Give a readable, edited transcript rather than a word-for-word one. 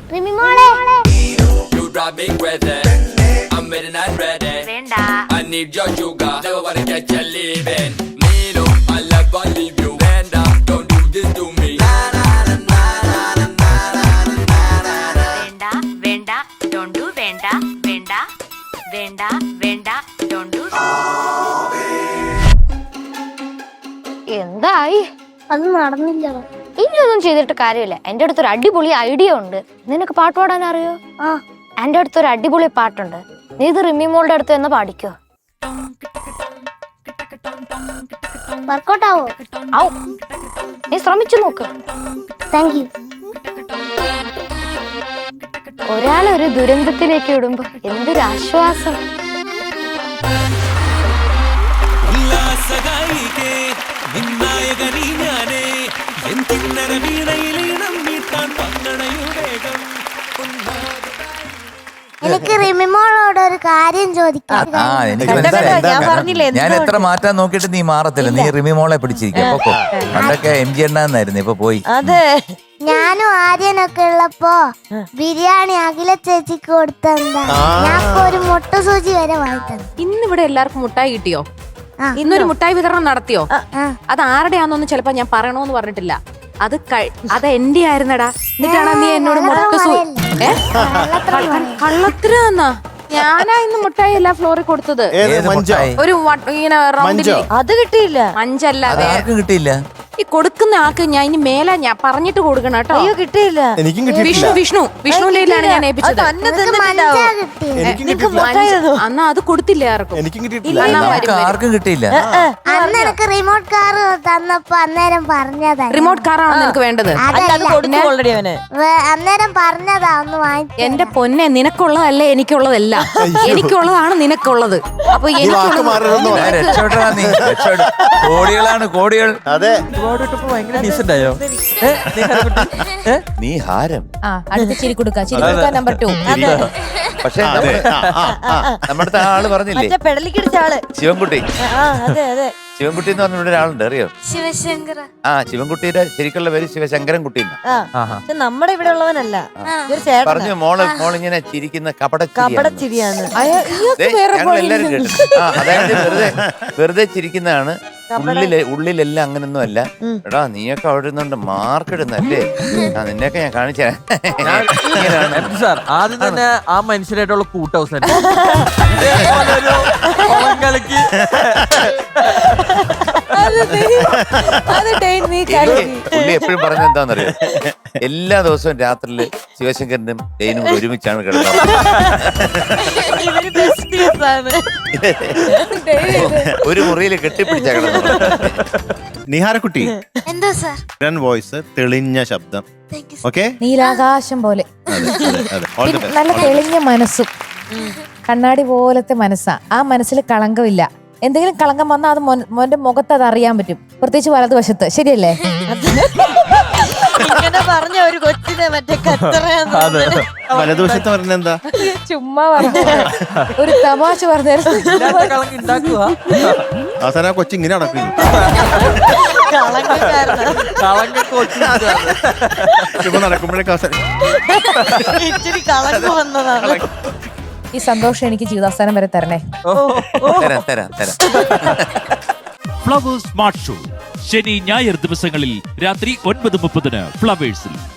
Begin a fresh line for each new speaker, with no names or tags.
റിമി മോളെ
You drive me crazy. I'm ready and ready.
വേണ്ട.
I need your sugar. Never wanna get you leaving. Me no, I love I leave you. Vanda, don't do this to me.
വേണ്ട വേണ്ട don't do വേണ്ട വേണ്ട വേണ്ട വേണ്ട don't do. എന്തായി?
അത് നടന്നില്ല.
ഇനിയൊന്നും ചെയ്തിട്ട് കാര്യമില്ല. എന്റെ അടുത്തൊരു അടിപൊളി ഐഡിയ ഉണ്ട്. നിനക്ക് പാട്ട് പാടാൻ അറിയോ? എന്റെ അടുത്തൊരു അടിപൊളി പാട്ടുണ്ട്. നീ ഇത് റിമി മോളുടെ അടുത്ത് എന്ന് പാടിക്കോ.
വർക്കൗട്ട് ആവോ?
ആവും. നീ ശ്രമിച്ചു നോക്ക്.
Thank you.
ഒരാളെ ഒരു ദുരന്തത്തിലേക്ക് ഇടുമ്പോ എന്തൊരു ആശ്വാസം.
എനിക്ക് റിമിമോളോട് ഒരു കാര്യം ചോദിക്കാം.
ഞാൻ എത്ര മാറ്റാൻ നോക്കിയിട്ട് നീ മാറത്തില്ല. നീ റിമി മോളെ പിടിച്ചിരിക്കും. പണ്ടൊക്കെ MG എണ്ണാന്നായിരുന്നു, ഇപ്പൊ പോയി.
അതെ,
ഞാനും ആര്യനൊക്കെ ഉള്ളപ്പോ ബിരിയാണി അഖില ചേച്ചിക്ക് കൊടുത്തെന്താ, ഞാൻ ഒരു മുട്ട സൂചി വരെ വാങ്ങിത്തന്നു.
ഇന്നിവിടെ എല്ലാവർക്കും മുട്ടായി കിട്ടിയോ? ഇന്നൊരു മുട്ടായി വിതരണം നടത്തിയോ? അത് ആരുടെയാന്നൊന്നും ചിലപ്പോ ഞാൻ പറയണോന്ന് പറഞ്ഞിട്ടില്ല. അത് എന്റെ ആയിരുന്നടാ. എന്നിട്ടാണ് നീ എന്നോട് കള്ളത്തിനാ? ഞാനാ ഇന്ന് മുട്ടായി എല്ലാ ഫ്ലോറിൽ കൊടുത്തത്. ഒരു ഇങ്ങനെ റൗണ്ടിൽ.
അത് കിട്ടിയില്ല.
മഞ്ചല്ല,
കിട്ടിയില്ല.
ഈ കൊടുക്കുന്ന ആൾക്ക് ഞാൻ ഇനി മേലെ ഞാൻ പറഞ്ഞിട്ട് കൊടുക്കണം കേട്ടോ.
അയ്യോ കിട്ടിയില്ല.
വിഷ്ണുവിലാണ് ഞാൻ ഏൽപ്പിച്ചത്. അന്നാ അത് കൊടുത്തില്ല ആർക്കും.
ആർക്കും കിട്ടിയില്ല.
അന്ന് എനിക്ക് റിമോട്ട് കാർ തന്നപ്പോ അന്നേരം പറഞ്ഞതാ.
റിമോട്ട് കാറാണോ നിനക്ക് വേണ്ടത്?
അന്നേരം പറഞ്ഞതാ ഒന്ന് വാങ്ങിച്ചു.
എന്റെ പൊന്നെ, നിനക്കുള്ളതല്ലേ എനിക്കുള്ളതല്ല. എനിക്കുള്ളതാണ് നിനക്കുള്ളത്. അപ്പൊ
കോടികളാണ് കോടികൾ.
അതെ,
നീ ഹാരം.
അടുത്ത ചിരി കൊടുക്കാം. ചിരി കൊടുക്കാൻ നമ്പർ 2.
പക്ഷെ നമ്മുടെ ആള് പറഞ്ഞില്ലേ,
പെടലിക്കടിച്ച ആള്
ശിവൻകുട്ടി.
അതെ അതെ,
ശിവൻകുട്ടി എന്ന് പറഞ്ഞ ഇവിടെ ഒരാളുണ്ട്, അറിയോ?
ശിവശങ്കർ.
ശിവൻകുട്ടിയുടെ ശരിക്കുള്ള പേര് ശിവശങ്കരൻ കുട്ടി.
നമ്മുടെ ഇവിടെ ഉള്ളവനല്ല.
പറഞ്ഞു മോളിങ്ങനെ ചിരിക്കുന്ന
കപടച്ചിരിയാണ്.
ഞങ്ങൾ എല്ലാരും കേട്ടു. അതായത് വെറുതെ ചിരിക്കുന്നതാണ്. ഉള്ളിലെല്ലാം അങ്ങനൊന്നും അല്ല. എടാ നീയൊക്കെ അവിടെ ഇരുന്നുണ്ട് മാർക്ക് ഇടുന്നല്ലേ, നിന്നെയൊക്കെ ഞാൻ കാണിച്ചു
സാർ. ആദ്യം തന്നെ ആ മനുഷ്യരായിട്ടുള്ള കൂട്ട് അവസാനം
പുള്ളി എപ്പോഴും പറഞ്ഞ എന്താണെന്നറിയോ, എല്ലാ ദിവസവും രാത്രിയില് ശിവശങ്കരനും ഡെയിനും കൂടെ ഒരുമിച്ചാണ് കിടന്നത്. ഒരു മുറിയിൽ കെട്ടിപ്പിടിച്ച കിടന്നത്.
നിഹാരക്കുട്ടി,
എന്തോ സാർ?
വോയിസ്, തെളിഞ്ഞ ശബ്ദം. ഓക്കെ,
നീലാകാശം പോലെ നല്ല തെളിഞ്ഞ മനസ്സും കണ്ണാടി പോലത്തെ മനസ്സാ. ആ മനസ്സിൽ കളങ്കമില്ല. എന്തെങ്കിലും കളങ്കം വന്നാൽ അത് മോന്റെ മുഖത്ത് അത് അറിയാൻ പറ്റും, പ്രത്യേകിച്ച് വലതുവശത്ത്. ശരിയല്ലേ?
ഇങ്ങനെ പറഞ്ഞ ഒരു കൊച്ചിനെ മറ്റേ
വലതുവശത്ത് പറഞ്ഞ എന്താ?
ചുമ്മാ പറഞ്ഞ ഒരു തമാശ പറഞ്ഞു.
അവസാനം കൊച്ചി ഇങ്ങനെ നടക്കും. നടക്കുമ്പോഴേക്കും
ഇച്ചിരി കളങ്കം വന്നതാണ്.
ഈ സന്തോഷം എനിക്ക് ജീവിതാവസാനം വരെ തരണേ.
തരാം.
ഫ്ലവേഴ്സ് സ്മാർട്ട് ഷോ ശനി ഞായർ ദിവസങ്ങളിൽ രാത്രി 9:30 ഫ്ലവേഴ്സിൽ.